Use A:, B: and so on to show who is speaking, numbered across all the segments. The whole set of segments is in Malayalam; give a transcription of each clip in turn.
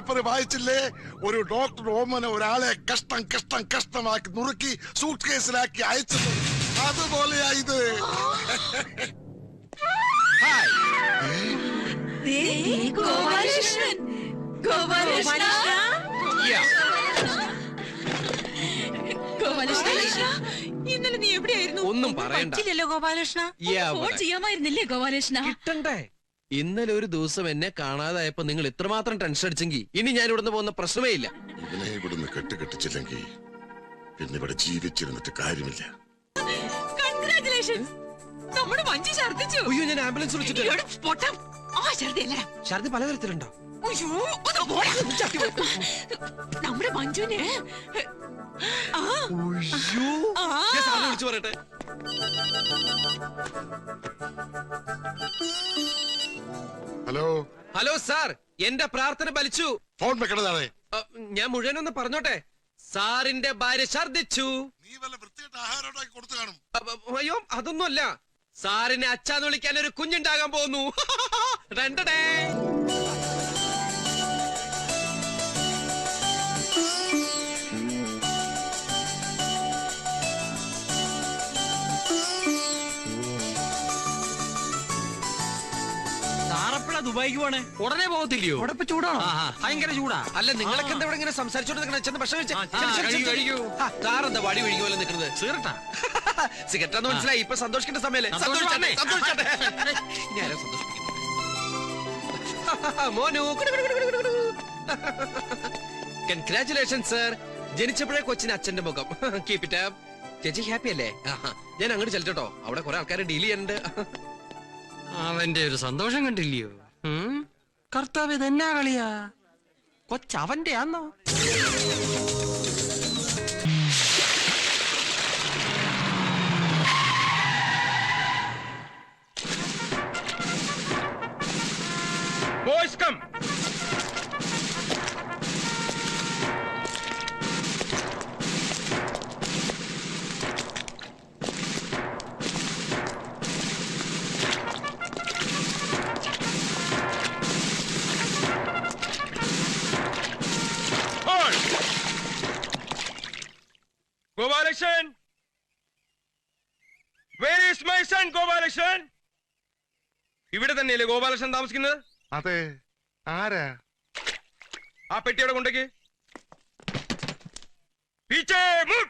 A: പേപ്പർ വായിച്ചില്ലേ? ഒരു ഡോക്ടർ ഓമന ഒരാളെ കഷ്ടം കഷ്ടം കഷ്ടമാക്കി നുറുക്കി സൂട്ട് കേസിലാക്കി അയച്ചത്. അതുപോലെയാ ഇത്.
B: ഇന്നലെ നീ എവിടെയായിരുന്നു?
C: ഒന്നും പറയണ്ടല്ലോ
B: ഗോപാലകൃഷ്ണ. ഫോൺ ചെയ്യാമായിരുന്നില്ലേ ഗോപാലകൃഷ്ണ?
C: കിട്ടണ്ടേ? ഇന്നലെ ഒരു ദിവസം എന്നെ കാണാതായപ്പോ നിങ്ങൾ ഇത്രമാത്രം ടെൻഷൻ അടിച്ചെങ്കിൽ ഇനി ഞാൻ ഇവിടുന്ന് പോകുന്ന പ്രശ്നമേ ഇല്ല.
A: ഇവനെ ഇവിടുന്ന് കെട്ടിച്ചില്ലെങ്കിൽ പിന്നെ ഇവിടെ ജീവിച്ചിരുന്നിട്ട് കാര്യമില്ല.
B: കൺഗ്രാറ്റുലേഷൻസ്, നമ്മുടെ മഞ്ജു ഛർദിച്ചു.
C: അയ്യോ, ഞാൻ ആംബുലൻസ് വിളിച്ചിട്ട്. ഛർദി പലതരത്തിലുണ്ടോ?
B: നമ്മുടെ മഞ്ജുവിന്
C: വിളിച്ചു പറയട്ടെ.
A: ഹലോ
C: ഹലോ സാർ, എന്റെ പ്രാർത്ഥന ഫലിച്ചു.
A: ഫോൺ വെക്കണതാണ്.
C: ഞാൻ മുഴുവനൊന്ന് പറഞ്ഞോട്ടെ. സാറിന്റെ ഭാര്യ ഛർദിച്ചു.
A: നീ വല്ല വൃത്തിയായിട്ട് ആഹാരം ഉണ്ടാക്കി കൊടുത്തു കാണും.
C: അയ്യോ, അതൊന്നുമല്ല. സാറിനെ അച്ഛാന്ന് വിളിക്കാൻ ഒരു കുഞ്ഞുണ്ടാകാൻ പോകുന്നു. രണ്ടടേ.
D: ദുബായിക്ക് പോണേ?
C: ഉടനെ പോകത്തില്ലയോ?
D: അവിടെ ചൂടാണോ? ഭയങ്കര ചൂടാ.
C: അല്ല, നിങ്ങളൊക്കെ എന്താ ഇവിടെ ഇങ്ങനെ സംസാരിച്ചോണ്ട് ഭക്ഷണം സാറെന്താ വടി ഒഴുകി പോലെ നിൽക്കുന്നത്?
D: സീറട്ടാ
C: സിഗരറ്റാന്ന് മനസ്സിലായി. ഇപ്പൊ സന്തോഷിക്കേണ്ട സമയല്ലേ? മോനു, കൺഗ്രാറ്റുലേഷൻ സർ. ജനിച്ചപ്പോഴേ കൊച്ചിന് അച്ഛന്റെ മുഖം. Keep it up. ചേച്ചി ഹാപ്പി അല്ലേ? ഞാൻ അങ്ങോട്ട് ചെല്ലട്ടോ, അവിടെ കുറെ ആൾക്കാരെ ഡീൽ ചെയ്യാനുണ്ട്.
D: അവന്റെ ഒരു സന്തോഷം കണ്ടില്ലയോ? കർത്താവ് ഇതെന്നാ കളിയാ? കൊച്ചവന്റെ ആന്നോ?
E: Boys come. Gopalakrishnan, where is my son Gopalakrishnan? ഇവിടെ തന്നെയല്ലേ ഗോപാലകൃഷ്ണൻ താമസിക്കുന്നത്?
A: അതെ. ആരാ?
E: ആ പെട്ടിയുടെ കൊണ്ടേക്ക്. പീച്ചേ മുട്ട്.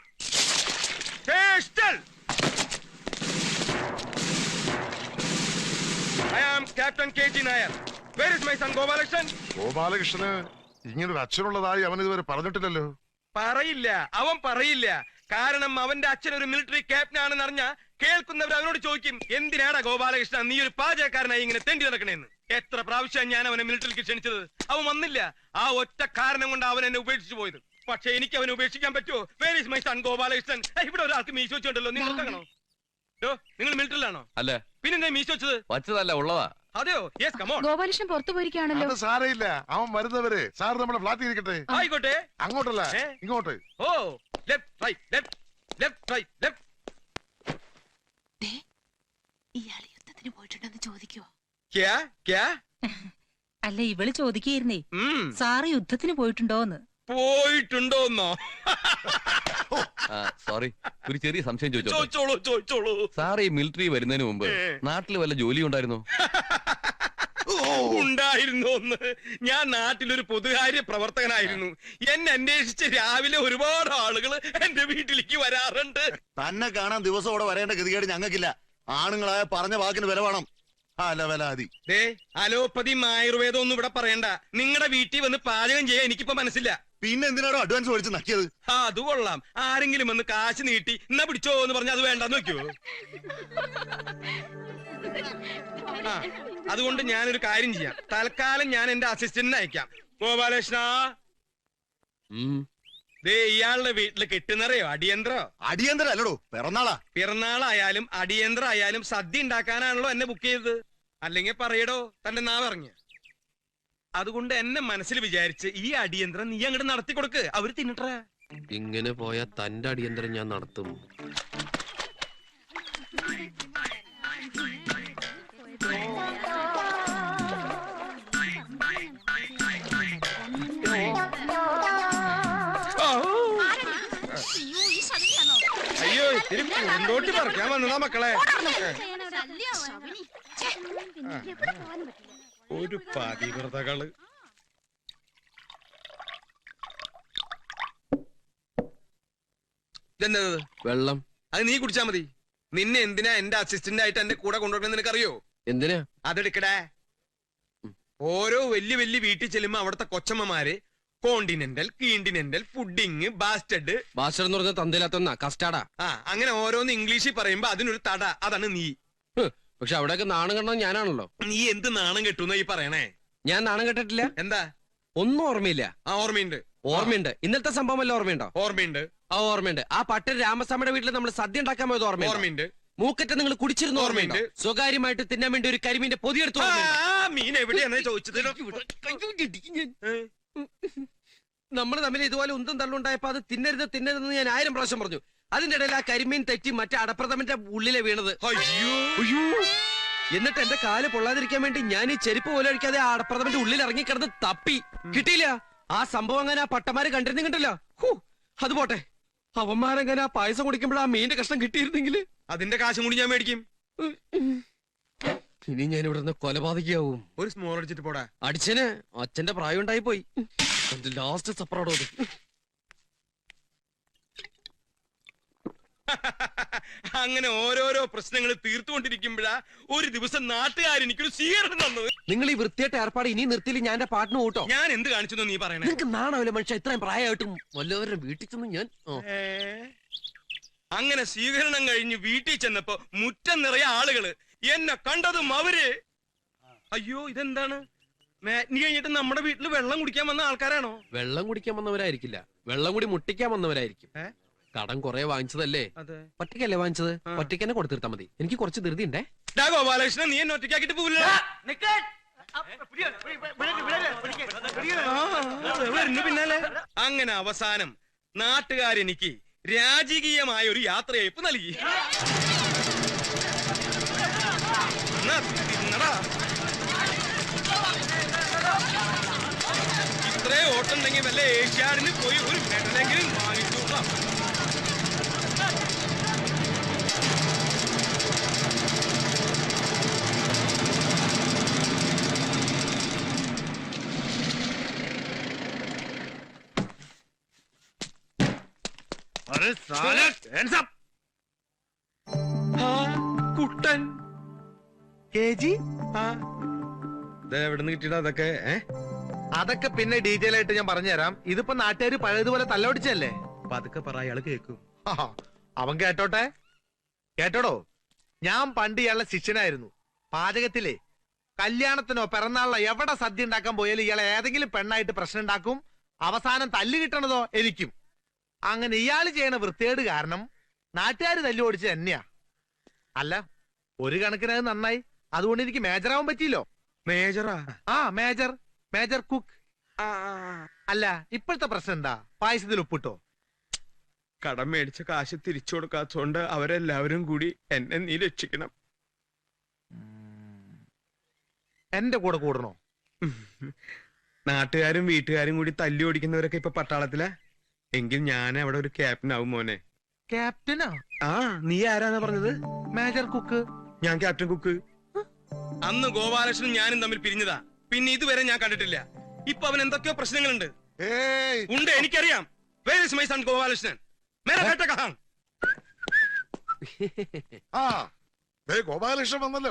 E: I am Captain KG Nair. Where is my son Gopalakrishnan?
A: ഗോപാലകൃഷ്ണന് ഇങ്ങനൊരു അച്ഛനുള്ളതായി അവൻ ഇതുവരെ പറഞ്ഞിട്ടില്ലല്ലോ.
E: പറയില്ല, അവൻ പറയില്ല. കാരണം അവന്റെ അച്ഛൻ ഒരു മിലിറ്ററി ക്യാപ്റ്റൻ ആണെന്ന് അറിഞ്ഞ കേൾക്കുന്നവർ അവനോട് ചോദിക്കും, എന്തിനാടാ ഗോപാലകൃഷ്ണൻ നീ ഒരു പാചകക്കാരനായി ഇങ്ങനെ തെണ്ടി നടക്കണേന്ന്. എത്ര പ്രാവശ്യം ഞാൻ അവനെ മിലിറ്ററിക്ക് ക്ഷണിച്ചത്, അവൻ വന്നില്ല. ആ ഒറ്റ കാരണം കൊണ്ട് അവൻ എന്നെ ഉപേക്ഷിച്ചു പോയത്. പക്ഷെ എനിക്ക് അവനെ ഉപേക്ഷിക്കാൻ പറ്റുമോ? Where is my son Gopalakrishnan? ഇവിടെ ഒരാൾക്ക് മീശ വെച്ചോണ്ടല്ലോ. നിങ്ങൾ നോക്കണോ? നിങ്ങൾ മിലിറ്ററിലാണോ?
C: അല്ല.
E: പിന്നെ മീശ വെച്ചത്?
C: വച്ചതല്ല, ഉള്ളതാ.
E: അതെയോ? Yes, come on.
B: ഗോപാലകൃഷ്ണൻ പുറത്തു പോയിരിക്കുകയാണല്ലോ.
A: അത് സാരയില്ല, അവൻ വരുന്നവരെ സാർ നമ്മുടെ ഫ്ലാറ്റിൽ ഇരിക്കട്ടെ.
E: ആയിക്കോട്ടെ.
A: അങ്ങോട്ടല്ല, ഇങ്ങോട്ട്.
E: ഓ, left right left left right left.
B: ഇയാൾ യുദ്ധത്തിന് പോയിട്ടുണ്ടെന്ന് ചോദിക്കോ?
E: ക്യാ ക്യാ?
B: അല്ല, ഇവള് ചോദിക്കുകയായിരുന്നേ, സാറ് യുദ്ധത്തിന് പോയിട്ടുണ്ടോന്ന്.
E: പോയിട്ടുണ്ടോന്നോ?
F: സോറി, ഒരു ചെറിയ സംശയം
E: ചോദിച്ചോളൂ.
F: സാർ ഈ മിലിറ്ററി വരുന്നതിന് മുമ്പ് നാട്ടിൽ വല്ല ജോലി ഉണ്ടായിരുന്നോ?
E: ഉണ്ടായിരുന്നോന്ന്? ഞാൻ നാട്ടിലൊരു പൊതുകാര്യ പ്രവർത്തകനായിരുന്നു. എന്നെ അന്വേഷിച്ച് രാവിലെ ഒരുപാട് ആളുകൾ എന്റെ വീട്ടിലേക്ക് വരാറുണ്ട്.
G: തന്നെ കാണാൻ ദിവസം അവിടെ വരേണ്ട ഗതികേട് ഞങ്ങൾക്കില്ല. ആണുങ്ങളായ പറഞ്ഞ വാക്കിന് വില വേണം.
E: അലോപ്പതിയും ആയുർവേദം ഒന്നും ഇവിടെ പറയണ്ട. നിങ്ങളുടെ വീട്ടിൽ വന്ന് പാചകം ചെയ്യാൻ എനിക്കിപ്പോ മനസ്സില്ല.
G: പിന്നെ എന്തിനാണോ അഡ്വാൻസ് മേടിച്ച് നക്കിയത്?
E: അത് കൊള്ളാം. ആരെങ്കിലും വന്ന് കാശ് നീട്ടി എന്നാ പിടിച്ചോ എന്ന് പറഞ്ഞ അത് വേണ്ടെന്ന് നോക്കിയോ? അതുകൊണ്ട് ഞാനൊരു കാര്യം ചെയ്യാം. തൽക്കാലം ഞാൻ എന്റെ അസിസ്റ്റന്റിനെ അയക്കാം. ഗോപാലകൃഷ്ണ, ഇയാളുടെ വീട്ടില് കിട്ടുന്നറിയോ അടിയന്തരോ?
G: അടിയന്തരം അല്ലടോ, പിറന്നാളാ.
E: പിറന്നാളായാലും അടിയന്തരം ആയാലും സദ്യ ഉണ്ടാക്കാനാണല്ലോ എന്നെ ബുക്ക് ചെയ്തത്. അല്ലെങ്കിൽ പറയടോ തന്റെ നാവറിഞ്ഞ്. അതുകൊണ്ട് എന്നെ മനസ്സിൽ വിചാരിച്ച് ഈ അടിയന്തരം നീ അങ്ങോട്ട് നടത്തി കൊടുക്ക്. അവര് തിന്നിട്ടേ.
C: ഇങ്ങനെ പോയാ തന്റെ അടിയന്തരം ഞാൻ നടത്തും.
E: അയ്യോ ഇത്തിരി പൂന്തോട്ടി പറിക്കാൻ വന്നതാ മക്കളെ. ഒരു പതിവ്രതകള്. ഇതെന്തത്?
C: വെള്ളം.
E: അത് നീ കുടിച്ചാ മതി. നിന്നെ എന്തിനാ എന്റെ അസിസ്റ്റന്റ് ആയിട്ട് എന്റെ കൂടെ കൊണ്ടുവരണം നിനക്കറിയോ?
C: എന്തിനാ?
E: അതെടുക്കടേ. ഓരോ വലിയ വലിയ വീട്ടിൽ ചെല്ലുമ്പോ അവിടുത്തെ കൊച്ചമ്മമാര് continental, continental, fooding, bastard.
C: Bastard എന്ന് പറഞ്ഞ തന്തയിലാത്ത കസ്റ്റാർഡാ.
E: അങ്ങനെ ഓരോന്ന് ഇംഗ്ലീഷിൽ പറയുമ്പോ അതിനൊരു തട. അതാണ് നീ.
C: പക്ഷെ അവിടെയൊക്കെ നാണം കണ്ടത് ഞാനാണല്ലോ.
E: നീ എന്ത് നാണം കെട്ടുന്ന ഈ പറയണേ?
C: ഞാൻ നാണം കെട്ടിട്ടില്ല.
E: എന്താ?
C: ഒന്നും ഓർമ്മയില്ല.
E: ഓർമ്മയുണ്ട്.
C: ഓർമ്മയുണ്ട്. ഇന്നലത്തെ സംഭവം വല്ല ഓർമ്മയുണ്ടോ?
E: ഓർമ്മയുണ്ട്.
C: ഓർമ്മയുണ്ട്. ആ പട്ടൻ രാമസ്വാമിയുടെ വീട്ടിൽ നമ്മൾ സദ്യ ഉണ്ടാക്കാൻ പോയത്
E: ഓർമ്മയുണ്ട്.
C: മൂക്കറ്റ നിങ്ങൾ കുടിച്ചിരുന്ന ഓർമ്മയുണ്ട്. സ്വകാര്യമായിട്ട് തിന്നാൻ വേണ്ടി ഒരു കരിമീന്റെ പൊതിയെടുത്തു.
E: മീൻ എവിടെയാണ് ചോദിച്ചത്?
C: നമ്മൾ തമ്മിൽ ഇതുപോലെ ഉന്തം തള്ളുണ്ടായപ്പോ അത് തിന്നരുതെന്ന് ഞാൻ 1000 പ്രാവശ്യം പറഞ്ഞു. അതിന്റെ ഇടയിൽ ആ കരിമീൻ തെറ്റി മറ്റേ അടപ്രഥമന്റെ ഉള്ളിലെ വീണത്.
E: അയ്യോ.
C: എന്നിട്ട് എന്റെ കാല് പൊള്ളാതിരിക്കാൻ വേണ്ടി ഞാൻ ഈ ചെരുപ്പ് പോലെ അടിക്കാതെ ആ അടപ്രഥമന്റെ ഉള്ളിൽ ഇറങ്ങിക്കിടന്ന് തപ്പി. കിട്ടിയില്ല. ആ സംഭവം അങ്ങനെ ആ പട്ടമാര് കണ്ടിരുന്നില്ല. അത് പോട്ടെ, അവന്മാരങ്ങനെ ആ പായസം കുടിക്കുമ്പോൾ ആ മീന്റെ കഷ്ണം കിട്ടിയിരുന്നെങ്കിൽ
E: അതിന്റെ കാശും കൂടി ഞാൻ മേടിക്കും.
C: ഇനി ഞാൻ ഇവിടെ നിന്ന് കൊലപാതകയാവും.
E: ഒരു സ്മോൾ അടിച്ചിട്ട് പോടാ.
C: അടിച്ചന് അച്ഛന്റെ പ്രായം ഉണ്ടായി പോയി. ലാസ്റ്റ് സപ്പറോടോ.
E: അങ്ങനെ ഓരോരോ പ്രശ്നങ്ങൾ തീർത്തുകൊണ്ടിരിക്കുമ്പോഴാ ഒരു ദിവസം നാട്ടുകാരെനിക്കൊരു സ്വീകരണം തന്നത്.
C: നിങ്ങൾ ഈ വൃത്തിയായിട്ട് ഏർപ്പാട് ഇനി നിർത്തിയില്ല ഞാൻ എന്റെ പാട്ടിന് കൂട്ടോ.
E: ഞാൻ എന്ത് കാണിച്ചു നീ പറയണേ?
C: നിങ്ങൾക്ക് നാണാവില്ല മനുഷ്യ. ഇത്രയും പ്രായമായിട്ടും വല്ലവരുടെ വീട്ടിൽ ചെന്ന് ഞാൻ
E: അങ്ങനെ സ്വീകരണം കഴിഞ്ഞ് വീട്ടിൽ ചെന്നപ്പോ മുറ്റം നിറയെ ആളുകള്. എന്നെ കണ്ടതും അവര് അയ്യോ ഇതെന്താണ്? നീ കഴിഞ്ഞിട്ട് നമ്മുടെ വീട്ടിൽ വെള്ളം കുടിക്കാൻ വന്ന ആൾക്കാരാണോ?
C: വെള്ളം കുടിക്കാൻ വന്നവരായിരിക്കില്ല, വെള്ളം കൂടി മുട്ടിക്കാൻ വന്നവരായിരിക്കും. കടം കുറെ വാങ്ങിച്ചതല്ലേ? ഒറ്റയ്ക്കല്ലേ വാങ്ങിച്ചത്? ഒറ്റയ്ക്ക് തന്നെ കൊടുത്തിരുത്താ മതി. എനിക്ക് കുറച്ച് ധൃതി ഉണ്ടേ.
E: ഗോപാലകൃഷ്ണൻ, നീ എന്നെ ഒറ്റയ്ക്കാക്കിട്ട് പോവില്ല. പിന്നാലെ അങ്ങനെ അവസാനം നാട്ടുകാരെനിക്ക് രാജകീയമായ ഒരു യാത്രയയപ്പ് നൽകി. ഇത്രേ ഓട്ടുണ്ടെങ്കിൽ വല്ല ഏഷ്യാഡിന് പോയി ഒരു മെഡലെങ്കിലും വാങ്ങിച്ചോളാം. കുട്ടൻ എവിടുന്ന് കിട്ടിയിട്ടാ അതൊക്കെ?
H: അതൊക്കെ പിന്നെ ഡീറ്റെയിൽ ആയിട്ട് ഞാൻ പറഞ്ഞുതരാം. ഇതിപ്പോ നാട്ടുകാര് പഴയതുപോലെ തല്ലൊടിച്ചല്ലേ.
E: അപ്പൊ അതൊക്കെ പറ, അയാള് കേക്കും.
H: അവൻ കേട്ടോട്ടെ. കേട്ടോടോ, ഞാൻ പണ്ട് ഇയാളുടെ ശിഷ്യനായിരുന്നു. പാചകത്തിലെ കല്യാണത്തിനോ പിറന്നാളിനോ എവിടെ സദ്യ ഉണ്ടാക്കാൻ പോയാലും ഇയാളെ ഏതെങ്കിലും പെണ്ണായിട്ട് പ്രശ്നം ഉണ്ടാക്കും. അവസാനം തല്ല് കിട്ടണതോ എനിക്കും. അങ്ങനെ ഇയാള് ചെയ്യണ വൃത്തികേട് കാരണം നാട്ടുകാര് തല്ലു ഓടിച്ച് തന്നെയാ. അല്ല, ഒരു കണക്കിന് അത് നന്നായി. അതുകൊണ്ട് എനിക്ക് മേജറാവാൻ പറ്റിയില്ലോ.
E: മേജറാ?
H: Major cook. അല്ല, ഇപ്പോഴത്തെ പ്രശ്നം എന്താ? പായസത്തിൽ ഉപ്പിട്ടോ?
E: കടം മേടിച്ച കാശ് തിരിച്ചു കൊടുക്കാത്തോണ്ട് അവരെല്ലാവരും കൂടി എന്നെ നീ രക്ഷിക്കണം.
H: എന്റെ കൂടെ കൂടണോ?
E: നാട്ടുകാരും വീട്ടുകാരും കൂടി തല്ലി ഓടിക്കുന്നവരൊക്കെ ഇപ്പൊ പട്ടാളത്തിലാ. എങ്കിൽ ഞാൻ അവിടെ ഒരു ക്യാപ്റ്റൻ ആവും മോനെ.
H: ക്യാപ്റ്റനാ?
E: നീ ആരാന്നാ പറഞ്ഞത്?
H: Major cook.
E: ഞാൻ ക്യാപ്റ്റൻ കുക്ക്. അന്ന് ഗോപാലകൃഷ്ണനും ഞാനും തമ്മിൽ പിരിഞ്ഞതാ. പിന്നെ ഇതുവരെ ഞാൻ കണ്ടിട്ടില്ല. ഇപ്പൊ അവൻ എന്തൊക്കെയോ പ്രശ്നങ്ങളുണ്ട്. ഉണ്ട്, എനിക്കറിയാം. Where is my son Gopalakrishnan? മേരാ ബേട്ട കഹാം?
A: ഗോപാലകൃഷ്ണൻ വന്നല്ലോ.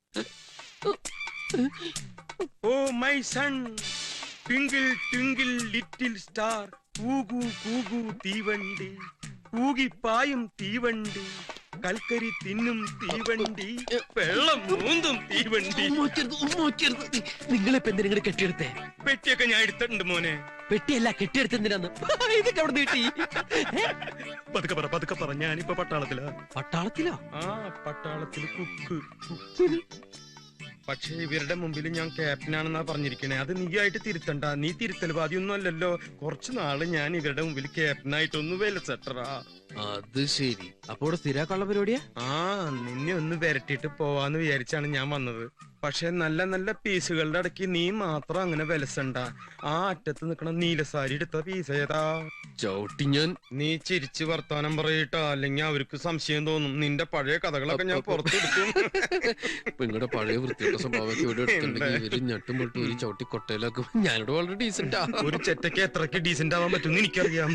E: Oh my son, twinkle twinkle little star, കൂകു കൂകു തീവണ്ടി, കൂകിപ്പായും തീവണ്ടി, കൽക്കരി തിന്നും തീവണ്ടി, വെള്ളം മൂന്നും തീവണ്ടി.
C: നിങ്ങളിപ്പോ എന്തിനാ കെട്ടിയെടുത്തേ?
E: പെട്ടിയൊക്കെ ഞാൻ എടുത്തിട്ടുണ്ട് മോനെ.
C: പെട്ടിയല്ല, കെട്ടിയെടുത്തെന്തിനാന്ന്? ഇതൊക്കെ അവിടെ നീട്ടി.
E: പതുക്കെ പറ, ഞാനിപ്പോ പട്ടാളത്തിലാ.
C: പട്ടാളത്തിലോ?
E: പട്ടാളത്തില് കുക്ക്. പക്ഷെ ഇവരുടെ മുമ്പിൽ ഞാൻ ക്യാപ്റ്റനാണെന്നാ പറഞ്ഞിരിക്കണേ. അത് നീ ആയിട്ട് തിരുത്തണ്ട. നീ തിരുത്തൽ ബാധിയൊന്നും അല്ലല്ലോ. കുറച്ചു നാള് ഞാൻ ഇവരുടെ മുമ്പിൽ ക്യാപ്റ്റനായിട്ടൊന്ന് വിലസെട്ടറാ.
C: അത് ശരി. അപ്പൊ ഇവിടെ സ്ഥിരാക്കാനുള്ള പരിപാടിയാ?
E: ആ നിന്നെ ഒന്ന് വരട്ടിട്ട് പോവാന്ന് വിചാരിച്ചാണ് ഞാൻ വന്നത്. പക്ഷെ നല്ല നല്ല പീസുകളുടെ ഇടയ്ക്ക് നീ മാത്രം അങ്ങനെ വിലസണ്ട. ആ അറ്റത്ത് നിക്കണ നീലസാരി എടുത്ത പീസ് ഏതാ?
C: ചവിട്ടി ഞാൻ.
E: നീ ചിരിച്ച് വർത്താനം പറയട്ടാ, അല്ലെങ്കിൽ അവർക്ക് സംശയം തോന്നും. നിന്റെ പഴയ കഥകളൊക്കെ ഞാൻ പുറത്തെടുക്കും.
C: നിങ്ങളുടെ പഴയ വൃത്തിയുടെ സ്വഭാവമൊക്കെ ഇവിടെ എടുത്തിട്ടുണ്ടെങ്കിൽ ഇവര് ഞെട്ടും പൊട്ടും ഒരു ചവിട്ടി കൊട്ടയിലാക്കും. ഞാനിവിടെ വളരെ ഡീസന്റാ.
E: ഒരു ചെറ്റയ്ക്ക് എത്രക്ക് ഡീസന്റ് ആവാൻ പറ്റും എനിക്കറിയാം.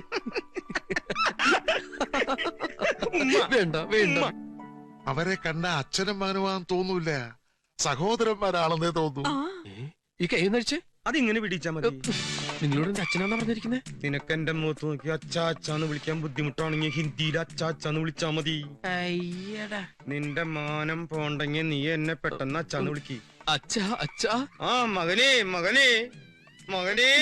C: വേണ്ട വേണ്ട.
A: അവരെ കണ്ട അച്ഛനും മകനുമാൻ തോന്നൂല, സഹോദരന്മാരാണെന്നേ തോന്നൂ.
C: ഈ കൈ നടിച്ചേ
E: അതിങ്ങനെ പിടിച്ചാ മതി.
C: നിങ്ങളോട് എന്റെ അച്ഛനാന്നാ പറഞ്ഞിരിക്കുന്നേ?
E: നിനക്ക് എന്റെ മുഖത്ത് നോക്കി അച്ഛാ അച്ഛാന്ന് വിളിക്കാൻ ബുദ്ധിമുട്ടാണെങ്കിൽ ഹിന്ദിയിൽ അച്ഛാ അച്ഛാന്ന് വിളിച്ചാ മതി.
C: അയ്യടാ.
E: നിന്റെ മാനം പോണ്ടെങ്കിൽ നീ എന്നെ പെട്ടെന്ന് അച്ഛാന്ന് വിളിക്ക്.
C: അച്ഛാ അച്ഛാ.
E: ആ മകനേ മകനേ മകനേ.